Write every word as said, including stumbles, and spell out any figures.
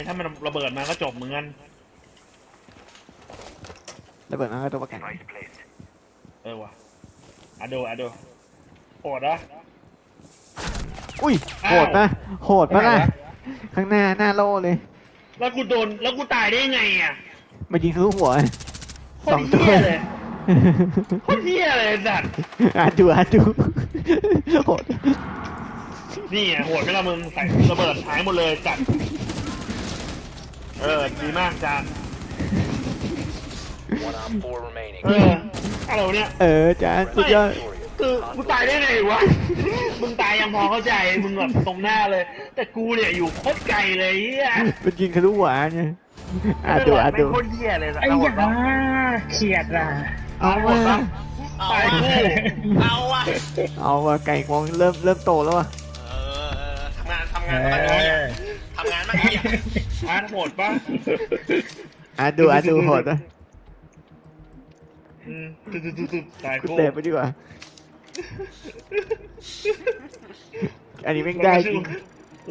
ถ้ามันระเบิดมาก็จบเหมือนกันระเบิดมาก็ตัวประกันเออว่ะอะดูอะดูโหดนะอุ้ยโหดนะโหดปะล่ะข้างหน้าหน้าโล่เลยแล้วกูโดนแล้วกูตายได้ไงอ่ะมายิงทะลุหัวสองตัวเลยโคตรเหี้ยเลยสัตว์อ่ะดูอ่ะดูโหดนี่อ่ะโหดไม่ละมึงใส่ระเบิดหายหมดเลยจัดเออดีมากจานเอออะไรวะเนี่ยเออจ้าสุดยอดคือกูตายได้ไงวะมึงตายยังพอเข้าใจมึงแบบตรงหน้าเลยแต่กูเนี่ยอยู่โคตรไกลเลยอ่ะมันยิงทะลุหัวไงอ่ะดูอ่ะดูโคตรเหี้ยเลยสัตว์ไอ้ยาเขียดอ่ะเอาว่ะตายคู่เอาว่ะเอาว่ะไก่งวงเริ่มเริ่มโตแล้วว่ะเออทำงานทำงานมาเนี้ยทำงานมาเนี้ยอาร์ตโหดปะอ่ะดูอ่ะดูโหดนะอืมตุ๊ดๆๆตายกูคู่เตะไปดีกว่าอันนี้แม่งได้จริง